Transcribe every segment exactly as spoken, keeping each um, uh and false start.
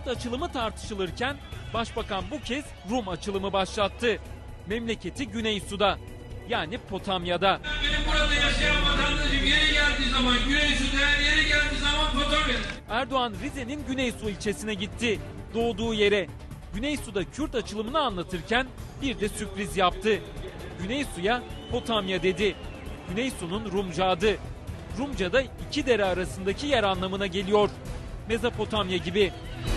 Kürt açılımı tartışılırken Başbakan bu kez Rum açılımı başlattı. Memleketi Güneysu'da, yani Potamya'da. Benim burada yaşayan vatandaşım yeri geldiği zaman Güneysu'da, yeri geldiği zaman Potamya'da. Erdoğan Rize'nin Güneysu ilçesine gitti. Doğduğu yere. Güneysu'da Kürt açılımını anlatırken bir de sürpriz yaptı. Güneysu'ya Potamya dedi. Güneysu'nun Rumca adı. Rumca'da iki dere arasındaki yer anlamına geliyor. Mezopotamya gibi.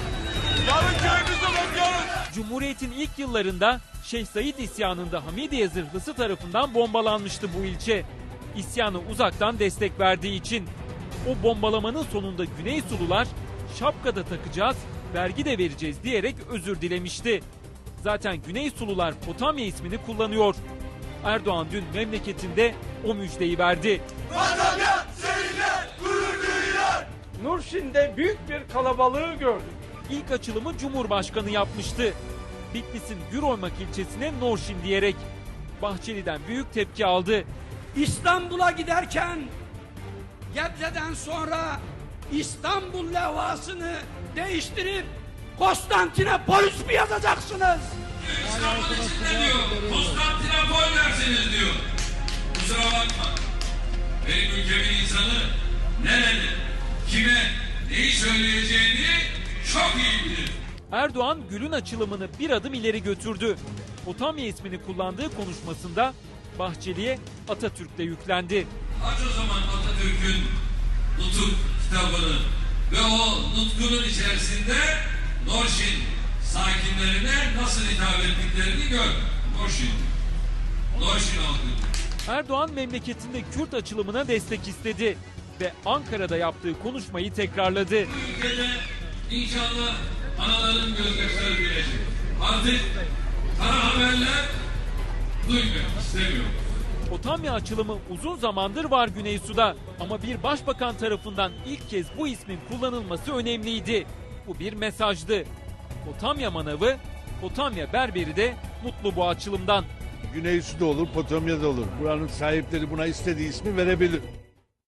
Cumhuriyet'in ilk yıllarında Şeyh Said isyanında Hamidiye zırhlısı tarafından bombalanmıştı bu ilçe. İsyanı uzaktan destek verdiği için. O bombalamanın sonunda Güneysulular şapkada takacağız, vergi de vereceğiz diyerek özür dilemişti. Zaten Güneysulular Potamya ismini kullanıyor. Erdoğan dün memleketinde o müjdeyi verdi. Potamya seninle gurur duyuyor. Nurşin'de büyük bir kalabalığı gördük. İlk açılımı Cumhurbaşkanı yapmıştı. Bitlis'in Güroymak ilçesine Norşin diyerek. Bahçeli'den büyük tepki aldı. İstanbul'a giderken Gebze'den sonra İstanbul levhasını değiştirip Konstantinopolis mi yazacaksınız? İstanbul içinde diyor, Konstantinopol dersiniz diyor. Kusura bakma. Benim ülkemin insanı nerede, kime, neyi söyleyeceğini çok iyi bilir. Erdoğan Gül'ün açılımını bir adım ileri götürdü. Potamya ismini kullandığı konuşmasında Bahçeli'ye Atatürk'le yüklendi. Aç o zaman Atatürk'ün Nutuk kitabını ve o nutkunun içerisinde Norşin sakinlerine nasıl hitap ettiklerini gör. Norşin. Norşin halkı. Erdoğan memleketinde Kürt açılımına destek istedi ve Ankara'da yaptığı konuşmayı tekrarladı. Bu ülkede inşallah anaların gözyaşları bilecek. Artık kara haberler duymak istemiyorum. Potamya açılımı uzun zamandır var Güneysu'da ama bir başbakan tarafından ilk kez bu ismin kullanılması önemliydi. Bu bir mesajdı. Potamya manavı, Potamya berberi de mutlu bu açılımdan. Güneysu'da olur, Potamya'da olur. Buranın sahipleri buna istediği ismi verebilir.